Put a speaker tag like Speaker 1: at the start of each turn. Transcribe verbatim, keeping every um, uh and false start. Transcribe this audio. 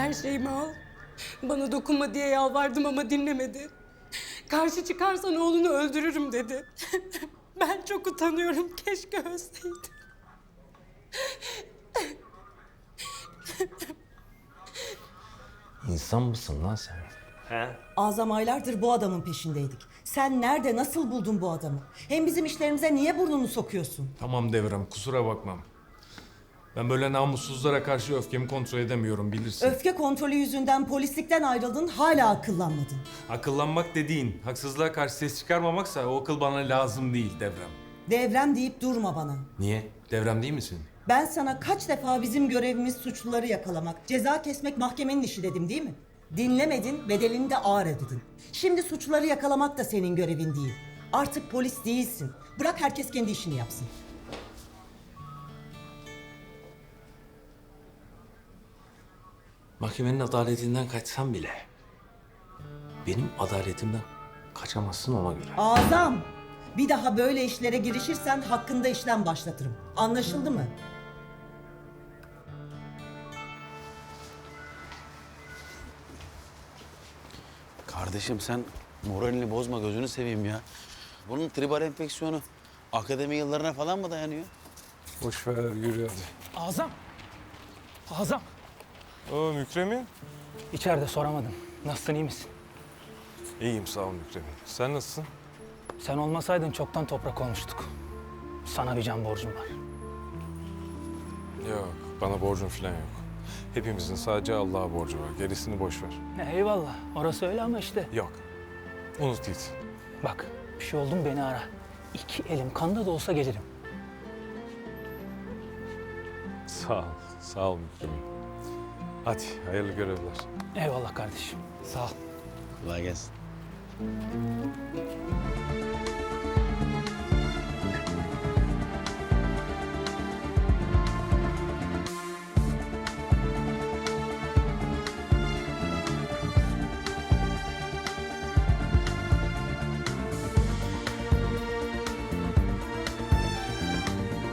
Speaker 1: Her şeyimi al. Bana dokunma diye yalvardım ama dinlemedi. Karşı çıkarsan oğlunu öldürürüm dedi. Ben çok utanıyorum. Keşke ölseydim.
Speaker 2: İnsan mısın lan sen?
Speaker 3: He?
Speaker 4: Azam aylardır bu adamın peşindeydik. Sen nerede, nasıl buldun bu adamı? Hem bizim işlerimize niye burnunu sokuyorsun?
Speaker 5: Tamam Devrem, kusura bakmam. Ben böyle namussuzlara karşı öfkemi kontrol edemiyorum, bilirsin.
Speaker 4: Öfke kontrolü yüzünden polislikten ayrıldın, hala akıllanmadın.
Speaker 5: Akıllanmak dediğin, haksızlığa karşı ses çıkarmamaksa o akıl bana lazım değil Devrem.
Speaker 4: Devrem deyip durma bana.
Speaker 5: Niye? Devrem değil misin?
Speaker 4: Ben sana kaç defa bizim görevimiz suçluları yakalamak, ceza kesmek mahkemenin işi dedim değil mi? Dinlemedin, bedelini de ağır ödedin. Şimdi suçluları yakalamak da senin görevin değil. Artık polis değilsin. Bırak herkes kendi işini yapsın.
Speaker 2: Mahkemenin adaletinden kaçsam bile benim adaletimden kaçamazsın ona göre.
Speaker 4: Azam! Bir daha böyle işlere girişirsen hakkında işlem başlatırım. Anlaşıldı mı?
Speaker 6: Kardeşim sen moralini bozma, gözünü seveyim ya. Bunun tribal enfeksiyonu akademi yıllarına falan mı dayanıyor?
Speaker 5: Boş ver, yürü hadi.
Speaker 7: Azam. Azam.
Speaker 5: Oo Mükremin.
Speaker 7: İçeride soramadım. Nasılsın, iyi misin?
Speaker 5: İyiyim sağ ol Mükremin. Sen nasılsın?
Speaker 7: Sen olmasaydın çoktan toprak olmuştuk. Sana bir can borcum var.
Speaker 5: Yok, bana borcun falan yok. Hepimizin sadece Allah'a borcu var. Gerisini boş ver.
Speaker 7: Ya eyvallah. Orası öyle ama işte.
Speaker 5: Yok. Unut git.
Speaker 7: Bak, bir şey oldu mu beni ara. İki elim kanda da olsa gelirim.
Speaker 5: Sağ ol. Sağ ol Mükremin. Hadi hayırlı görevler.
Speaker 7: Eyvallah kardeşim. Sağ ol.
Speaker 6: Kolay gelsin.